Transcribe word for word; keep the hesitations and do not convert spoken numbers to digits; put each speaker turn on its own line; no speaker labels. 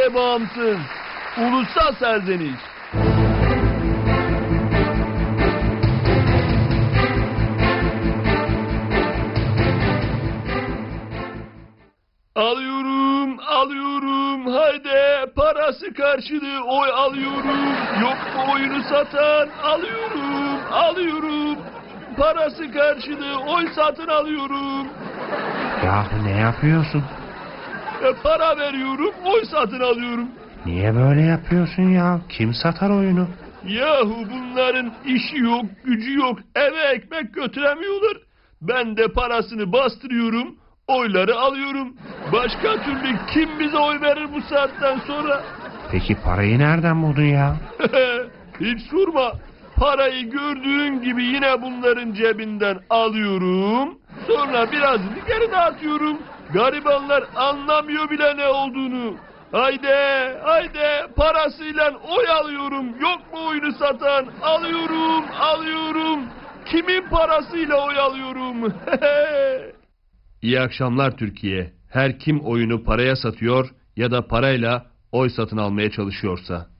bağımsın. Ulusal serzeniş. Alıyorum, alıyorum, haydi parası karşılığı oy alıyorum. Yok mu oyunu satan? Alıyorum, alıyorum. Parası karşılığı oy satın alıyorum.
Yahu ne yapıyorsun?
E, para veriyorum, oy satın alıyorum.
Niye böyle yapıyorsun ya? Kim satar oyunu?
Yahu bunların işi yok, gücü yok, eve ekmek götüremiyorlar. Ben de parasını bastırıyorum, oyları alıyorum. Başka türlü kim bize oy verir bu saatten sonra?
Peki parayı nereden buldun ya?
Hiç sorma. Parayı gördüğün gibi yine bunların cebinden alıyorum. Sonra birazını geri dağıtıyorum. Garibanlar anlamıyor bile ne olduğunu. Haydi, haydi parasıyla oy alıyorum. Yok mu oyunu satan? Alıyorum, alıyorum. Kimin parasıyla oy alıyorum? İyi akşamlar Türkiye. Her kim oyunu paraya satıyor ya da parayla oy satın almaya çalışıyorsa.